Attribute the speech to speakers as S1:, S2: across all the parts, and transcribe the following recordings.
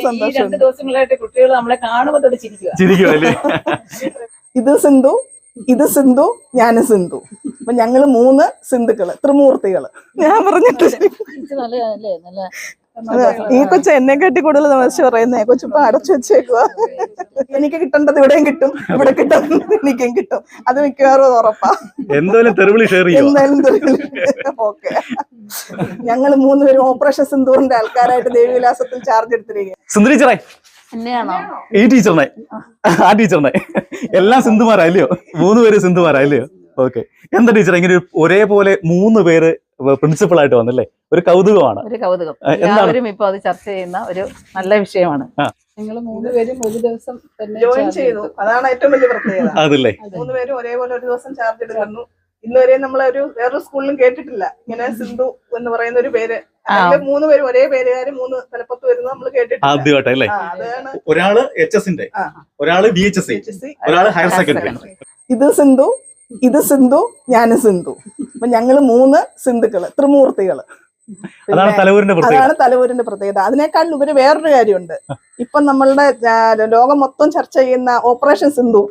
S1: സന്തോഷം. 2 ദിവസങ്ങളായിട്ട് കുട്ടികൾ നമ്മളെ കാണുമ്പോൾ തൊട്ട് ചിരിക്കുവല്ലേ. ഇത് സിന്ധു, ഇത് സിന്ധു, ഞാന് സിന്ധു. അപ്പൊ ഞങ്ങള് 3 സിന്ധുക്കള്, ത്രിമൂർത്തികള്. ഞാൻ പറഞ്ഞിട്ട് ഈ കൊച്ചു എന്നെ കാട്ടി കൂടുതൽ തമാശ പറയുന്നേ. കൊച്ചിപ്പോ അടച്ചു വെച്ചേക്കുവാ. എനിക്ക് കിട്ടേണ്ടത് ഇവിടെയും കിട്ടും, ഇവിടെ കിട്ടുന്നത് എനിക്കും കിട്ടും. അത് മിക്കവാറും ഉറപ്പാ. എന്തായാലും ഓക്കെ. ഞങ്ങള് 3 പേരും ഓപ്പറേഷൻ സിന്ദൂറിന്റെ ആൾക്കാരായിട്ട് ദേവിവിലാസത്തിൽ ചാർജ് എടുത്തിരിക്കുക.
S2: ഈ ടീച്ചറിനെ, ആ ടീച്ചറിനെ എല്ലാം സിന്ധുമാരല്ലയോ? 3 പേര് സിന്ധുമാരല്ലയോ? ഓക്കെ. എന്താ ടീച്ചർ ഇങ്ങനെ ഒരേപോലെ 3 പേര് പ്രിൻസിപ്പൾ ആയിട്ട് വന്നല്ലേ? ഒരു കൗതുകമാണ്.
S3: ഒരു കൗതുകം. എല്ലാവരും ഇപ്പൊ അത് ചർച്ച ചെയ്യുന്ന ഒരു നല്ല വിഷയമാണ്.
S1: ഞങ്ങൾ 3 പേരും ഒരു ദിവസം ജോയിൻ ചെയ്തു. അതാണ് ഏറ്റവും വലിയ പ്രത്യേകത.
S2: അതല്ലേ,
S1: 3 പേരും ഒരേപോലെ ഒരു ദിവസം ചാർജ് എടുക്കുന്നു. ഇന്നുവരെ നമ്മളൊരു വേറൊരു സ്കൂളിലും കേട്ടിട്ടില്ല ഇങ്ങനെ സിന്ധു എന്ന് പറയുന്ന ഒരു പേര്. 3 പേരും ഒരേ പേരുകാര് 3 തലപ്പത്ത് വരുന്നത് നമ്മൾ കേട്ടിട്ടില്ല.
S2: ആദ്യമായിട്ടല്ലേ? ഒരാള് HS-ന്റെ, ഒരാള് BHS, ഒരാള് ഹയർ സെക്കൻഡറി.
S1: ഇത് സിന്ധു, ഇത് സിന്ധു, ഞാന് സിന്ധു. അപ്പൊ ഞങ്ങള് 3 സിന്ധുക്കള്, ത്രിമൂർത്തികള്.
S2: അതാണ്
S1: തലവൂരിന്റെ പ്രത്യേകത. അതിനേക്കാൾ ഉപരി വേറൊരു കാര്യമുണ്ട്. ഇപ്പൊ നമ്മളുടെ ലോകം മൊത്തം ചർച്ച ചെയ്യുന്ന ഓപ്പറേഷൻ സിന്ദൂർ.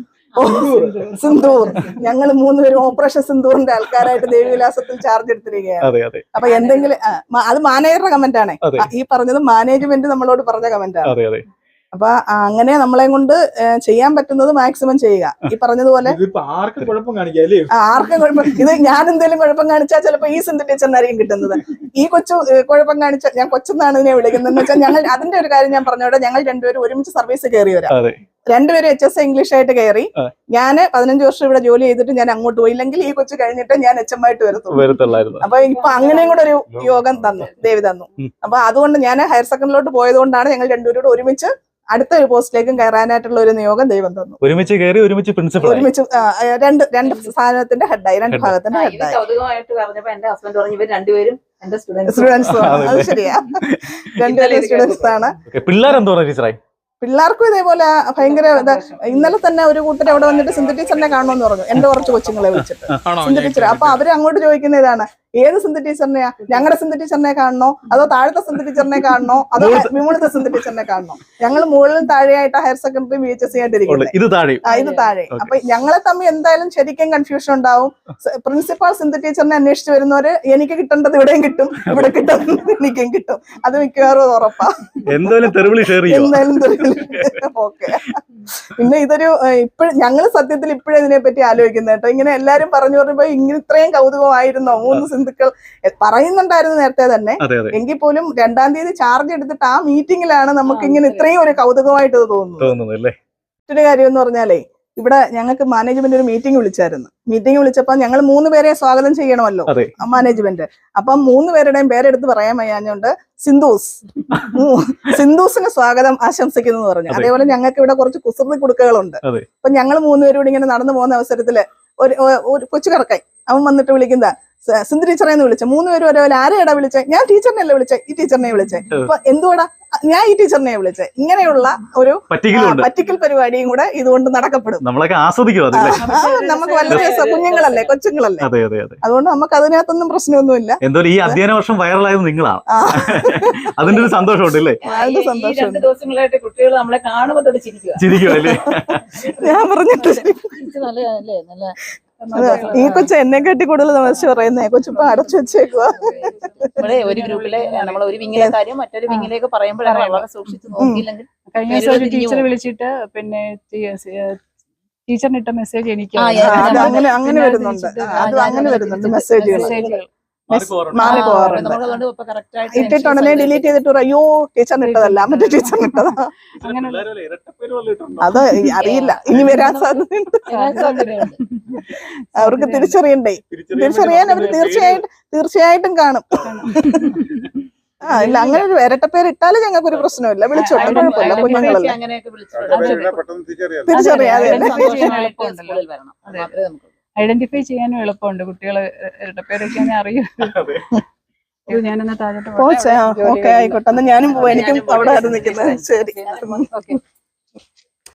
S1: സിന്ദൂർ. ഞങ്ങൾ 3 പേരും ഓപ്പറേഷൻ സിന്ദൂറിന്റെ ആൾക്കാരായിട്ട് ദേവിവിലാസത്തിൽ ചാർജ് എടുത്തിരിക്കുകയാണ്. അപ്പൊ എന്തെങ്കിലും അത് മാനേജറുടെ കമന്റ് ആണ്. ഈ പറഞ്ഞത് മാനേജ്മെന്റ് നമ്മളോട് പറഞ്ഞ കമന്റ് ആണ്. അപ്പൊ അങ്ങനെ നമ്മളെ കൊണ്ട് ചെയ്യാൻ പറ്റുന്നത് മാക്സിമം ചെയ്യുക. ഈ പറഞ്ഞതുപോലെ ആർക്കും കുഴപ്പം. ഇത് ഞാൻ എന്തെങ്കിലും കുഴപ്പം കാണിച്ചാൽ ചിലപ്പോ ഈ സിന്ധു ടീച്ചറിനായിരിക്കും കിട്ടുന്നത്. ഈ കൊച്ചു കുഴപ്പം കാണിച്ചാൽ, ഞാൻ കൊച്ചെന്നാണ് ഇതിനെ വിളിക്കുന്നത് വെച്ചാൽ, ഞങ്ങൾ അതിന്റെ ഒരു കാര്യം ഞാൻ പറഞ്ഞോടെ, ഞങ്ങൾ 2 പേരും ഒരുമിച്ച് സർവീസ് കയറിയവരാ. 2 പേരും HS ഇംഗ്ലീഷ് ആയിട്ട് കയറി. ഞാൻ 15 വർഷം ഇവിടെ ജോലി ചെയ്തിട്ട് ഞാൻ അങ്ങോട്ട് പോയി. ഇല്ലെങ്കിൽ ഈ കൊച്ചു കഴിഞ്ഞിട്ട് ഞാൻ HM ആയിട്ട് വരത്തുള്ളൂ. അപ്പൊ ഇപ്പൊ അങ്ങനെയും കൂടെ ഒരു യോഗം തന്നു, ദേവി തന്നു. അപ്പൊ അതുകൊണ്ട് ഞാൻ ഹയർ സെക്കൻഡറിലോട്ട് പോയത് കൊണ്ടാണ് ഞങ്ങൾ 2 പേരും ഒരുമിച്ച് അടുത്ത ഒരു പോസ്റ്റിലേക്കും കയറാനായിട്ടുള്ള ഒരു നിയോഗം ദൈവം തന്നു.
S2: ഒരുമിച്ച് കയറി, ഒരുമിച്ച് പ്രിൻസിപ്പൽ,
S1: ഒരുമിച്ച് രണ്ട് സ്ഥാനത്തിന്റെ ഹെഡായി, 2 ഭാഗത്തിന്റെ ഹെഡായി.
S3: എന്റെ ഹസ്ബൻഡ് പറഞ്ഞു ഇവർ 2 പേരും എന്റെ
S1: സ്റ്റുഡൻസ്. അത് ശരിയാ, 2 പേരും സ്റ്റുഡൻസ് ആണ്.
S2: പിള്ളേരെന്തോ ടീച്ചറായി.
S1: പിള്ളേർക്കും ഇതേപോലെ ഭയങ്കര ഇന്നലെ തന്നെ ഒരു കൂട്ടർ അവിടെ വന്നിട്ട് സിന്ധു ടീച്ചറിനെ കാണണമെന്ന് പറഞ്ഞു. എന്റെ കുറച്ച് കൊച്ചുങ്ങളെ വിളിച്ചിട്ട് സിന്ധു ടീച്ചർ. അപ്പൊ അവര് അങ്ങോട്ട് ചോദിക്കുന്ന ഇതാണ്, ഏത് സിന്ധു ടീച്ചറിനെയാ? ഞങ്ങളുടെ സിന്ധു ടീച്ചറിനെ കാണണോ, അതോ താഴത്തെ സിന്ധു ടീച്ചറിനെ കാണണോ, അതോ വിമുളത്തെ സിന്ധു ടീച്ചറിനെ കാണണോ? ഞങ്ങൾ മുകളിലും താഴെയായിട്ട് ഹയർ സെക്കൻഡറി BHS ആയിട്ടിരിക്കുന്നത്. ഇത് താഴെ. അപ്പൊ ഞങ്ങളെ തമ്മിൽ എന്തായാലും ശരിക്കും കൺഫ്യൂഷൻ ഉണ്ടാവും. പ്രിൻസിപ്പാൾ സിന്ധു ടീച്ചറിനെ അന്വേഷിച്ച് വരുന്നവര് എനിക്ക് കിട്ടേണ്ടത് ഇവിടെയും കിട്ടും, ഇവിടെ കിട്ടുന്നത് എനിക്കും കിട്ടും. അത് മിക്കവാറും ഉറപ്പാ. എന്തായാലും ഓക്കെ. പിന്നെ ഇതൊരു ഞങ്ങള് സത്യത്തിൽ ഇപ്പോഴും ഇതിനെപ്പറ്റി ആലോചിക്കുന്നത് കേട്ടോ. ഇങ്ങനെ എല്ലാരും പറഞ്ഞു പറഞ്ഞപ്പോ ഇങ്ങനെ ഇത്രയും കൗതുകമായിരുന്നോ? 3 സിന്ധുക്കൾ പറയുന്നുണ്ടായിരുന്നു നേരത്തെ തന്നെ. എങ്കിൽ പോലും 2-ാം തീയതി ചാർജ് എടുത്തിട്ട് ആ മീറ്റിംഗിലാണ് നമുക്ക് ഇങ്ങനെ ഇത്രയും ഒരു കൗതുകമായിട്ട് തോന്നുന്നത്. മറ്റൊരു കാര്യം എന്ന് പറഞ്ഞാലേ, ഇവിടെ ഞങ്ങൾക്ക് മാനേജ്മെന്റ് ഒരു മീറ്റിംഗ് വിളിച്ചായിരുന്നു. മീറ്റിംഗ് വിളിച്ചപ്പോ ഞങ്ങൾ 3 പേരെ സ്വാഗതം ചെയ്യണമല്ലോ മാനേജ്മെന്റ്. അപ്പം 3 പേരുടെയും പേരെടുത്ത് പറയാൻ വയ്യാഞ്ഞോണ്ട് സിന്ധൂസിന് സ്വാഗതം ആശംസിക്കുന്നു എന്ന് പറഞ്ഞു. അതേപോലെ ഞങ്ങൾക്ക് ഇവിടെ കുറച്ച് കുസൃതി കുടുക്കകളുണ്ട്. അപ്പൊ ഞങ്ങൾ 3 പേരും കൂടി ഇങ്ങനെ നടന്നു പോകുന്ന അവസരത്തില് ഒരു കൊച്ചു കറക്കായി അവൻ വന്നിട്ട് വിളിക്കുന്ന സിന്ധു ടീച്ചറെ എന്ന് വിളിച്ചേ. 3 പേരും ഒരേപോലെ ആരെയാടാ വിളിച്ചേ? ഞാൻ ടീച്ചറിനെയല്ലേ വിളിച്ചേ, ഈ ടീച്ചറിനെ വിളിച്ചേ. അപ്പൊ എന്തുവാടാ ഞാൻ ഈ ടീച്ചറിനെ വിളിച്ചേ? ഇങ്ങനെയുള്ള ഒരു പറ്റിക്കൽ പരിപാടിയും കൂടെ ഇതുകൊണ്ട് നടക്കപ്പെടും. നമുക്ക് വളരെ കുഞ്ഞുങ്ങളല്ലേ, കൊച്ചുങ്ങളല്ലേ. അതുകൊണ്ട് നമുക്ക് അതിനകത്തൊന്നും പ്രശ്നമൊന്നുമില്ല.
S2: എന്തായാലും ഈ അധ്യയന വർഷം വൈറലായത് നിങ്ങളാണ്. അതിന്റെ ഒരു സന്തോഷമുണ്ടല്ലേ?
S1: 2 ദിവസങ്ങളായിട്ട് കുട്ടികൾ നമ്മളെ കാണുമ്പോൾ തൊട്ട് ചിരിക്കുവല്ലേ. ഞാൻ പറഞ്ഞിട്ട് ഈ കൊച്ചു എന്നെ കാട്ടി കൂടുതൽ തമാശ പറയുന്നേ. കൊച്ചിപ്പോ അടച്ചു വെച്ചേക്കുവാ.
S3: ഒരു ഗ്രൂപ്പിലെ നമ്മൾ ഒരു വിങ്ങിലെ കാര്യം മറ്റൊരു വിങ്ങിലേക്ക് പറയുമ്പോഴാണ് വളരെ സൂക്ഷിച്ച് നോക്കിയില്ലെങ്കിൽ.
S4: കഴിഞ്ഞ ദിവസം ഒരു ടീച്ചർ വിളിച്ചിട്ട് പിന്നെ ടീച്ചറിനിട്ട മെസ്സേജ് എനിക്ക്
S1: അങ്ങനെ വരുന്നുണ്ട് മെസ്സേജുകൾ ഇട്ടിട്ടുടനെ ഡിലീറ്റ് ചെയ്തിട്ട് അയ്യോ ടീച്ചറിനിട്ടതല്ല, മറ്റേ ടീച്ചറിനിട്ടതാ. അത് അറിയില്ല, ഇനി വരാൻ സാധ്യതയുണ്ട്. അവർക്ക് തിരിച്ചറിയാൻ അവർ തീർച്ചയായിട്ടും കാണും. ഇല്ല, അങ്ങനെ ഒരു ഇരട്ടപ്പേര് ഇട്ടാലും ഞങ്ങൾക്ക് ഒരു പ്രശ്നമില്ല. വിളിച്ചോട്ടെ, കുഴപ്പമില്ല. കുഞ്ഞുങ്ങളല്ലേ,
S4: ഐഡന്റിഫൈ ചെയ്യാനും എളുപ്പമുണ്ട്. കുട്ടികള് ഇരട്ടപ്പേരൊക്കെ അറിയും. ഞാനെന്നാ താഴോട്ട്
S1: ഓക്കെ ആയിക്കോട്ടെ. എന്നാ ഞാനും പോവാം, എനിക്കും അവിടെ നിൽക്കുന്നത്. ശരി.